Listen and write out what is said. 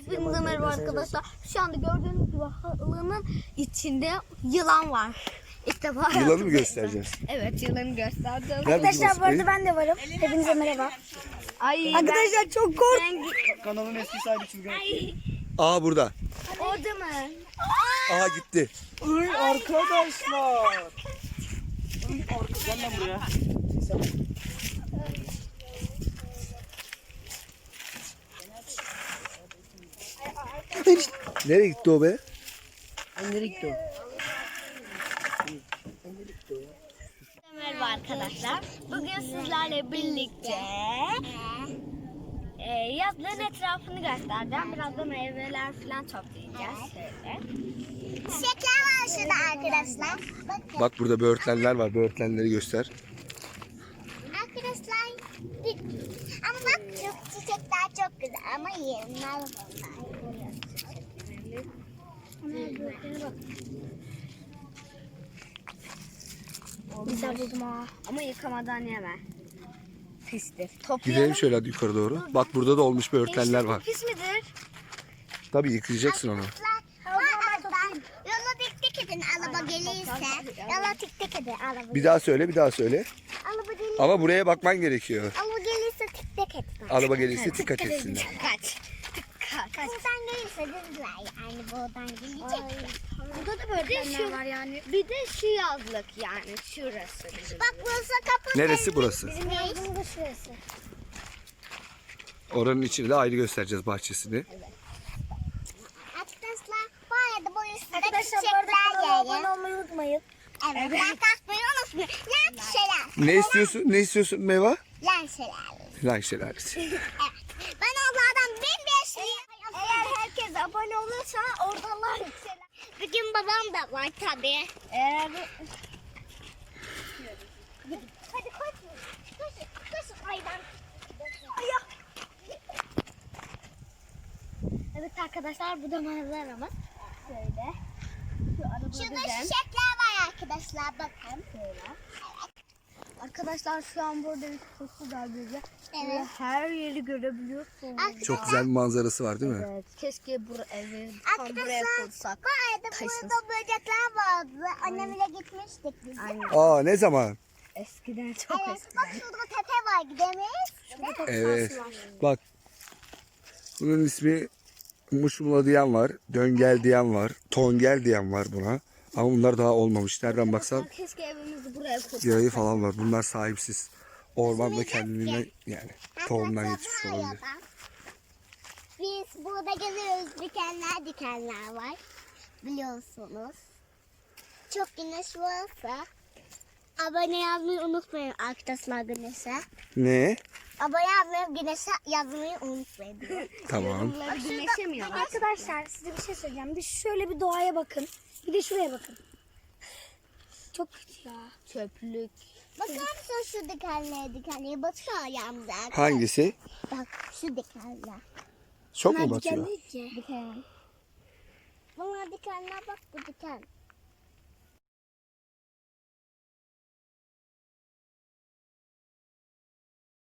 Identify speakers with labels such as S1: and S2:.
S1: Hepinize merhaba arkadaşlar. Şu anda gördüğünüz gibi halının içinde yılan var. İlk defa
S2: Yılanı mı göstereceğiz?
S1: Evet, yılanı göstereceğiz.
S3: Arkadaşlar bu arada ben de varım. Hepinize merhaba.
S1: Ay,
S3: Arkadaşlar çok korktum.
S4: Kanalın eski sahibi Çılgın.
S2: Aa burada.
S1: Orada mı?
S2: Aa gitti.
S4: Uy arkadaşlar. Gel lan buraya.
S2: Nereye gitti o be?
S4: Nereye gitti
S1: Merhaba arkadaşlar. Bugün sizlerle birlikte yazlığın etrafını göstereceğim. Biraz da meyveler falan toplayacağız. Şöyle.
S3: Çiçekler var şurada arkadaşlar. Bakın
S2: Bak burada böğürtlenler var. Böğürtlenleri göster.
S3: arkadaşlar. Ama bak şu çiçekler çok güzel ama yerinden
S1: Güzel buldum ha. Ama yıkamadan yeme. Pistir.
S2: Gidelim şöyle hadi yukarı doğru. Bak burada da olmuş böğürtlenler var.
S1: Pis midir?
S2: Tabii yıkayacaksın onu.
S3: Yola dik dik edin araba gelirse. Yola dik dik edin araba.
S2: Bir daha söyle, bir daha söyle.
S3: Araba gelirse.
S2: Ama buraya bakman gerekiyor.
S3: Araba gelirse tik tik edin.
S2: Araba gelirse dikkat etsinler.
S1: Kaç. Kaç.
S3: Buradan gelirse dediler yani buradan gelecek.
S1: Burada da böğürtlenler var yani. Bir de şu yazlık yani şurası.
S3: Bak burası kapı.
S2: Neresi burası?
S3: Bizim yazımız da şurası.
S2: Oranın içini de ayrı göstereceğiz bahçesini.
S3: Arkadaşlar bu arada bu üstünde çiçekler
S1: Abone olmayı unutmayın.
S3: Evet. Ben kalkmayı unutmayın. Lan şelale.
S2: Ne istiyorsun? Ne istiyorsun meyve?
S3: Lan şelale.
S2: Lan şelalesi.
S3: Evet. Ben onlardan 1500.
S1: Eğer herkes abone olursa oradalar yükselir.
S3: Bugün babam da var tabii.
S1: Eğer
S3: Hadi koş. Koş. Aydan.
S1: evet arkadaşlar bu da manzaramız. Şöyle. Şu araba
S3: Şurada
S1: güzel.
S3: çiçekler var arkadaşlar bakın.
S1: Arkadaşlar şu an burada bir çok güzel güzel.
S3: Evet.
S1: Her yeri görebiliyorsunuz.
S2: Çok güzel bir manzarası var değil mi?
S1: Evet. Keşke bu evi tam buraya
S3: Arkadaşlar
S1: kursak.
S3: bu arada burada böcekler vardı. Annemle gitmiştik biz.
S1: Aynen.
S2: Aa ne zaman?
S1: Eskiden çok
S3: Evet
S1: eskiden.
S3: bak şurada tepe var gidemeyiz.
S2: Evet. Bak. Bunun ismi muşmula diyen var. Döngel diyen var. Tongel diyen var buna. Ama bunlar daha olmamış. Nereden baksan
S1: Keşke evimizi buraya kursak.
S2: yayı falan var. Bunlar sahipsiz. Ormanda kendiliğinden yani tohumdan yetişmiş olabilir.
S3: Biz burada geziyoruz. Dikenler var. Biliyorsunuz. Çok güneş varsa abone yazmayı unutmayın arkadaşlar güneşe.
S2: Ne?
S3: Abone yazmayı güneşe yazmayı unutmayın.
S2: Tamam.
S1: Güneşemiyor.
S3: Arkadaşlar size bir şey söyleyeceğim. Bir şöyle bir doğaya bakın. Bir de şuraya bakın. Çok kötü ya.
S1: Çöplük.
S3: Bakar mısın şu dikenlere batıyor ayağımda.
S2: Hangisi?
S3: Bak şu dikenler.
S2: Çok mu batıyor?
S3: Diken. Bunlar dikenler bak bu diken.